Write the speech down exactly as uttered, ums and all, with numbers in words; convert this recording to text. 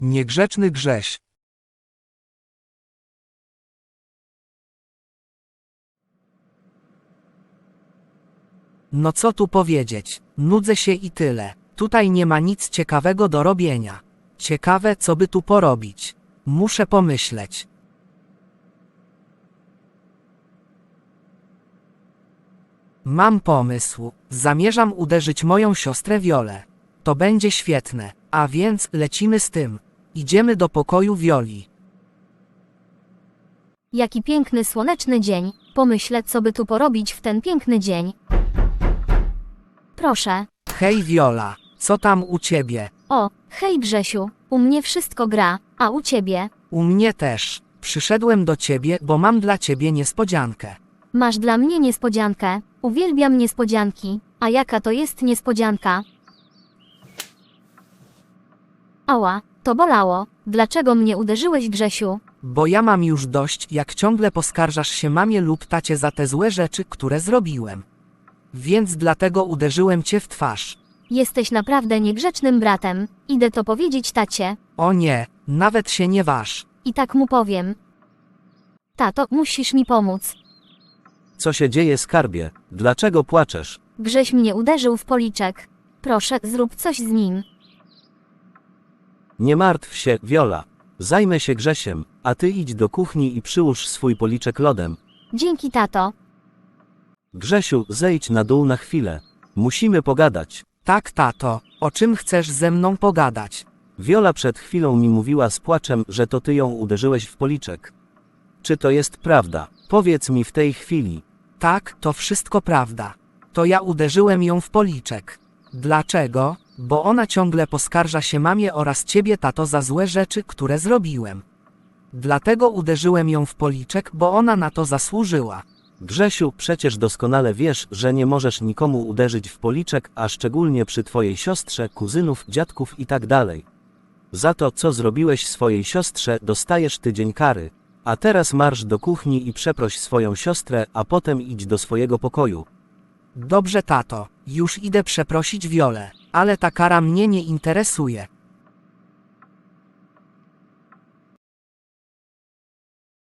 Niegrzeczny Grześ. No co tu powiedzieć, nudzę się i tyle. Tutaj nie ma nic ciekawego do robienia. Ciekawe, co by tu porobić. Muszę pomyśleć. Mam pomysł. Zamierzam uderzyć moją siostrę Wiolę. To będzie świetne. A więc lecimy z tym. Idziemy do pokoju Wioli. Jaki piękny słoneczny dzień. Pomyślę, co by tu porobić w ten piękny dzień. Proszę. Hej Wiola, co tam u ciebie? O, hej Grzesiu. U mnie wszystko gra, a u ciebie? U mnie też. Przyszedłem do ciebie, bo mam dla ciebie niespodziankę. Masz dla mnie niespodziankę. Uwielbiam niespodzianki. A jaka to jest niespodzianka? Ała, to bolało. Dlaczego mnie uderzyłeś, Grzesiu? Bo ja mam już dość, jak ciągle poskarżasz się mamie lub tacie za te złe rzeczy, które zrobiłem. Więc dlatego uderzyłem cię w twarz. Jesteś naprawdę niegrzecznym bratem. Idę to powiedzieć tacie. O nie, nawet się nie waż. I tak mu powiem. Tato, musisz mi pomóc. Co się dzieje, skarbie? Dlaczego płaczesz? Grześ mnie uderzył w policzek. Proszę, zrób coś z nim. Nie martw się, Wiola. Zajmę się Grzesiem, a ty idź do kuchni i przyłóż swój policzek lodem. Dzięki, tato. Grzesiu, zejdź na dół na chwilę. Musimy pogadać. Tak, tato, o czym chcesz ze mną pogadać? Wiola przed chwilą mi mówiła z płaczem, że to ty ją uderzyłeś w policzek. Czy to jest prawda? Powiedz mi w tej chwili. Tak, to wszystko prawda. To ja uderzyłem ją w policzek. Dlaczego? Bo ona ciągle poskarża się mamie oraz ciebie, tato, za złe rzeczy, które zrobiłem. Dlatego uderzyłem ją w policzek, bo ona na to zasłużyła. Grzesiu, przecież doskonale wiesz, że nie możesz nikomu uderzyć w policzek, a szczególnie przy twojej siostrze, kuzynów, dziadków i tak dalej. Za to, co zrobiłeś swojej siostrze, dostajesz tydzień kary. A teraz marsz do kuchni i przeproś swoją siostrę, a potem idź do swojego pokoju. Dobrze, tato, już idę przeprosić Wiolę, ale ta kara mnie nie interesuje.